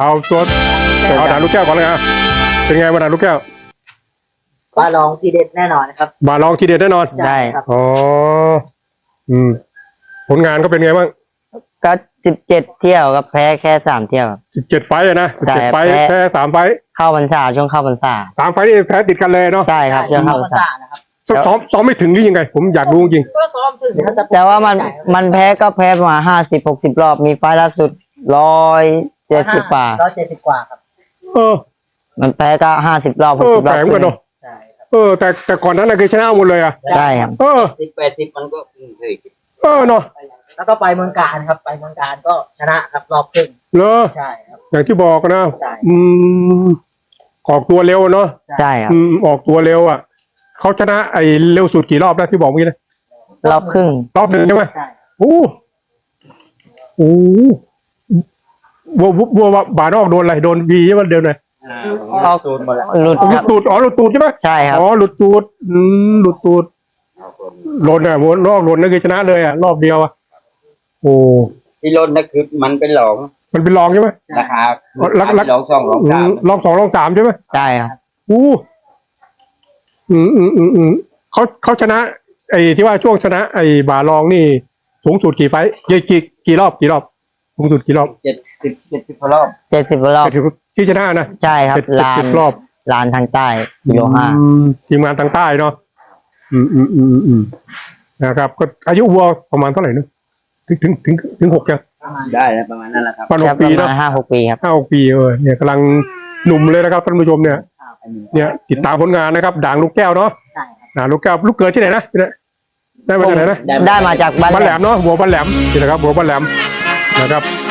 เอาตัวเอาด่านลูกแก้วก่อนเลยอ่ะเป็นไงมาด่านลูกแก้วบาลองทีเด็ดแน่นอนนะครับบาลองทีเด็ดแน่นอนใช่ครับอ๋อผลงานก็เป็นไงบ้างก็17 เที่ยวกับแพ้แค่3 เที่ยวครับ 17 ไฟต์อะนะใช่ 17 ไฟต์แพ้แพ้3 ไฟต์เข้าพรรษาช่วงเข้าพรรษา 3 ไฟต์นี่แพ้ติดกันเลยเนาะใช่ครับช่วงเข้าพรรษานะครับซ้อมไม่ถึงหรือยังไง ผมอยากรู้จริงก็ซ้อมถึงนะครับแต่ว่ามันแพ้ก็แพ้มา50-60 รอบมีไฟล์ล่าสุด170 กว่า 170 กว่าครับเออมันแพ้ก็50 รอบ60 รแปอลบกเหมือนกันเนาะใช่ครับแต่ก่อนนั้นน่ะคือชนะหมดเลยอ่ะใช่ครับ 80มันก็เคยเนาะแล้วก็ไปเมืองการครับ ไปเมืองการก็ชนะครับรอบครึ่งเลอใช่ครับอย่างที่บอกนะใช่ออกตัวเร็วเนาะใช่ครับออกตัวเร็วอ่ะเขาชนะไอ้เร็วสุดกี่รอบแล้วที่บอกเมื่อกี้นะรอบครึ่งรอบหนึ่งใช่ไหมใช่โอ้วัวบานอกโดนอะไรโดนวีใช่ไหมเดินเลยออกตูนหมดแล้วหลุดหคลุรัดบตูดหลุดตูดใช่ไหมใช่ครับหลุดตูดหลุดตูดหล่นอ่ะรอบหล่นนั่นคือชนะเลยอ่ะรอบเดียวอ่ะโอ้ที่รถนั่นคือมันเป็นหลองมันเป็นรองใช่ไหมราคาหลอง 2 2 3 รอง 2 รอง 3ใช่ไหมใช่ครับเขาชนะ ไอ้ที่ว่าช่วงชนะ ไอ้บาลองนี่สูงสุดกี่ไฟต์กี่รอบสูงสุดกี่รอบ 70 รอบ 70 รอบที่ชนะนะใช่ครับ 70 รอบลานทางใต้กิโล5 ทีมงานทางใต้เนาะนะครับก็อายุวัวประมาณเท่าไหร่นึกถึง6ยังได้แล้วประมาณนั้นแหละครับประมาณครับ 6 ปีประเนาะมาณ5-6 ปีครับ 5-6 ปีเนี่ยกำลังหนุ่มเลยนะครับท่านผู้ชมเนี่ยติดตามผลงานนะครับด่างลูกแก้วเนาะใช่ครับด่างลูกแก้วลูกเกิดที่ไหนนะได้มาจากไหนนะได้มาจากบ้านบ้านแหลมเนาะหัวบ้านแหลมนี่นะครับหัวบ้านแหลมนะครับ